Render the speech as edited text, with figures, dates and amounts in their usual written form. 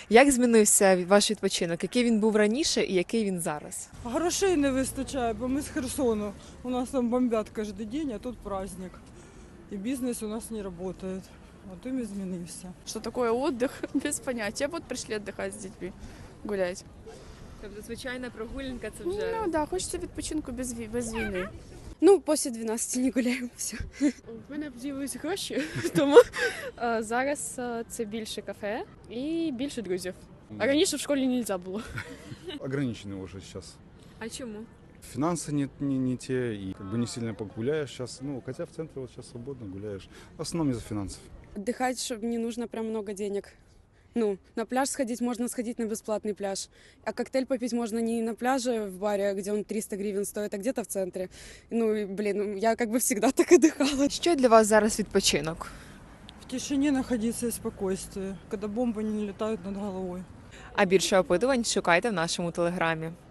Як змінився ваш відпочинок? Який він був раніше і який він зараз? Грошей не вистачає, бо ми з Херсону. У нас там бомбят кожен день, а тут праздник. І бізнес у нас не працює. От і змінився. Что такое отдых? Без понятия. Вот пришли отдыхать с детьми, гулять. Тобто звичайна прогулянка це Ну да, хочется відпочинку без війни. Ну, після 12 не гуляємо, все. В мене з'явились гроші, тому зараз це більше кафе і більше друзів. А раніше в школі не можна було. Ограничены уже сейчас. А чому? Финансы не те, и как бы не сильно погуляешь сейчас. Ну, хотя в центре вот сейчас свободно гуляешь. В основном из-за финансов. Отдыхать, чтобы не нужно прям много денег. Ну, на пляж сходить можно сходить на бесплатный пляж. А коктейль попить можно не на пляже в баре, где он 300 гривен стоит, а где-то в центре. Ну, и, блин, я как бы всегда так отдыхала. Що для вас зараз відпочинок? В тишині знаходитися і спокійстві, коли бомби не літають над головою. А більше опитувань шукайте в нашому телеграмі.